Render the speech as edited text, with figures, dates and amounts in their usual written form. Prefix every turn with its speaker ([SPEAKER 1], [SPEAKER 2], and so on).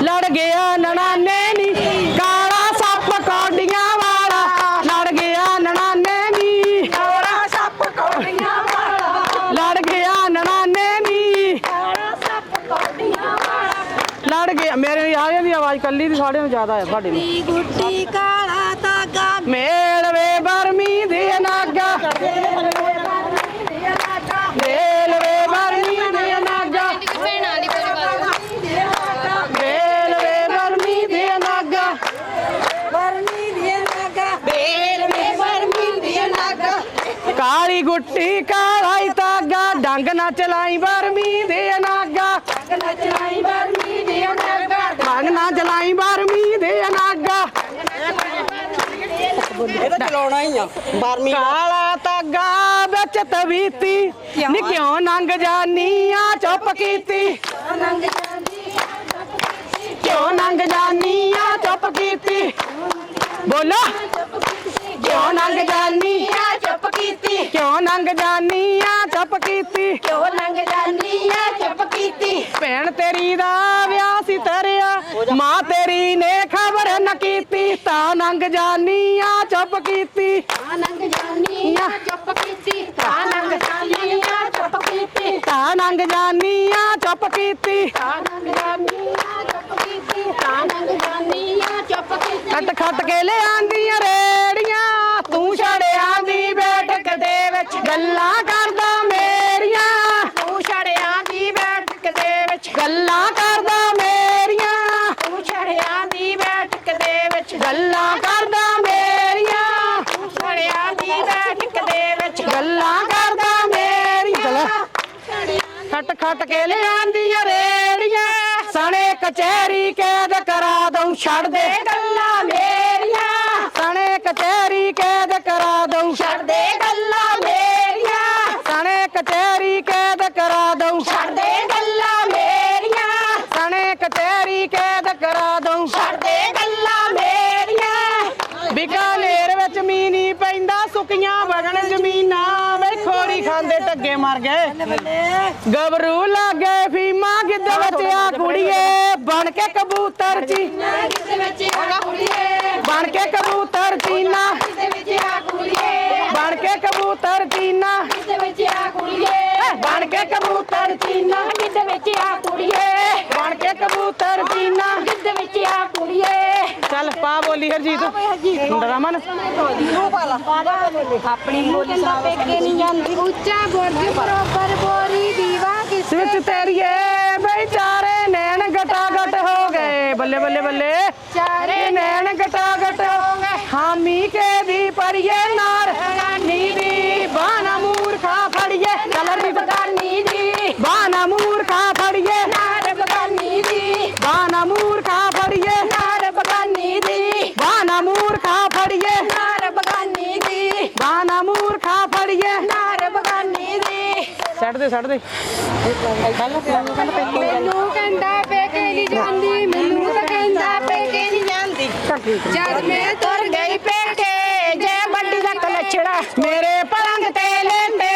[SPEAKER 1] लड़ गया ननाने नी काला सप कौडियां वाला लड़ गया ननाने नी काला सप कौडियां वाला लड़ गया ननाने नी काला सप कौडियां वाला लड़ गया मेरे यार दी आवाज कल्ली दी साढ़े ज्यादा है साडी गुट्टी काला धागा मेल वे बरमी दे नागा मेल वे बरमी दे नागा मेल वे बरमी दे नागा बरमी दे नागा मेल वे बरमी दे नागा काली गुट्टी काला धागा डंग ना चलाई बरमी दे नागा डंग ना चलाई बरमी दे नागा डंग ना चलाई बरमी दे नागा चलाना ही काला धागा बिच तवीती नी क्यों नंग जानी आ चुप कीती क्यों नंग जानी आ चुप कीती बोलो क्यों नंग जानी आ चुप कीती क्यों नंग जानी आ चुप कीती क्यों नंग जानी आ चुप कीती भैन तेरी दा विआह सी तरिया मां तेरी ने खबर न कीती ता नंग जानी आ चुप कीती ता नंग जानी आ चुप कीती ता नंग जानी आ चुप कीती ता नंग जानी आ चुप कीती ता नंग जानी आ चुप कीती ता नंग जानी आ चुप कीती खट खट के ले आंदियां रेड़ियां तू छड़िया दी बैठक दे विच गल्लां करदा मेरियां तू छड़िया दी बैठक दे विच गल्लां करदा मेरियां तू छड़िया दी बैठक दे विच गल्लां करदा मेरियां तू छड़िया दी बैठक दे विच गल्लां करदा मेरियां खट खट के ले आंदियां रेड़ियां सने कचहरी कैद करा दूं छड़ दे गल्लां मेरियां सने कचहरी कैद करा दूं छड़ दे गल्लां मेरियां सने कचहरी कैद करा दूं छड़ दे गल्लां मेरियां सने कचहरी कैद करा दूं छड़ दे गल्लां मेरियां बीकानेर विच मींह नहीं पैंदा सुक्कियां वगण जमीनां वे खोड़ी खांदे टग्गे मर गए गबरू लग गए फीमा गिद्ध विच आ कुड़िए बन के कबूतर ची बन के कबूतर चीना बन के कबूतर चीना बन के कबूतर चीना बन के कबूतर चीना चल पा बोली हरजीत रमन अपनी बोली पेके नहीं जाती उच्चा बुर्ज बरोबर बोरी दीवा किस तेरिए बेचारे नैन गटा गट हो गए बल्ले बल्ले बल्ले चारे नैन गटा गट हो गए हामी के दी परिए नार रानी दी बाना मूर्खा फड़िए कलर दी बगानी दी बाना मूर्खा फड़िए नार बगानी दी बाना मूर्खा फड़िए नार बगानी दी बाना मूर्खा फड़िए नार बगानी दी बाना मूर्खा फड़िए नार बगानी दी छड़ दे मैनू कहंदा पेके नहीं जांदी मैनू तां कहंदा पेके नहीं जांदी जद मैं तुर गई पेके जे बड्डी दा कलछड़ा मेरे पलंग ते लेंदे